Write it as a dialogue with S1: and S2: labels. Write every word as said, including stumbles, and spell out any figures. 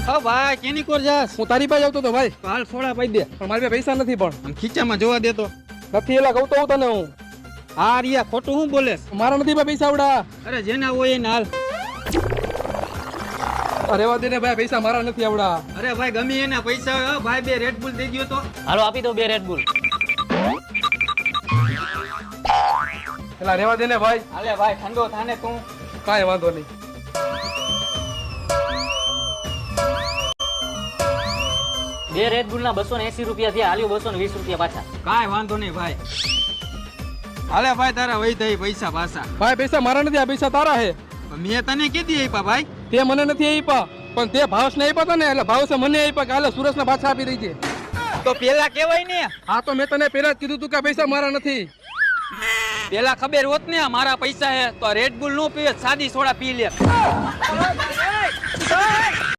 S1: હા ભાઈ કેની કોર જાસ?
S2: હું તારી પાસે આવતો તો ભાઈ,
S1: હાલ સોડા પાઈ દે.
S2: પણ મારી પાસે પૈસા નથી. પણ
S1: આમ ખીચામાં જોવા દેતો.
S2: નથી એલા કહું તો હું તને હું
S1: હા રિયા ખોટું હું બોલે?
S2: મારા નથી ભાઈ પૈસા આવડા.
S1: અરે જેના હોય એને હાલ.
S2: અરે વા દે ને ભાઈ, પૈસા મારા નથી આવડા.
S1: અરે ભાઈ ગમે એના પૈસા હોય. ભાઈ બે રેડ બુલ દઈ ગયો તો.
S3: હાલો આપી દો બે રેડ બુલ.
S2: એલા રેવા દે ને ભાઈ.
S1: હાલે ભાઈ ઠંડો થાને તું.
S2: કાંઈ વાંધો નહીં.
S3: બે રેડ બુલ ના બસો ને એસી રૂપિયા થયા. હાલ્યો બસો ને વીસ રૂપિયા પાછા.
S1: કાંઈ વાંધો નહીં ભાઈ. હાલે ભાઈ તારા વહી થઈ પૈસા પાછા.
S2: ભાઈ પૈસા મારા નથી, આ પૈસા તારા હે.
S1: મેં તને કીધી આપ્યા ભાઈ.
S2: તે મને નથી આપ્યા, પણ તે ભાવસ ને આપ્યા હતા ને, એટલે ભાવસે મને આપ્યા કે હાલે સુરેશ ને પાછા આપી દઈ છે.
S1: તો પેલા કેવાય ને.
S2: હા તો મેં તને પેલા જ કીધું તું કે પૈસા મારા નથી.
S1: પેલા ખબર હોત ને મારા પૈસા હે તો રેડ બુલ નો પીવે, સાદી સોડા પી લે.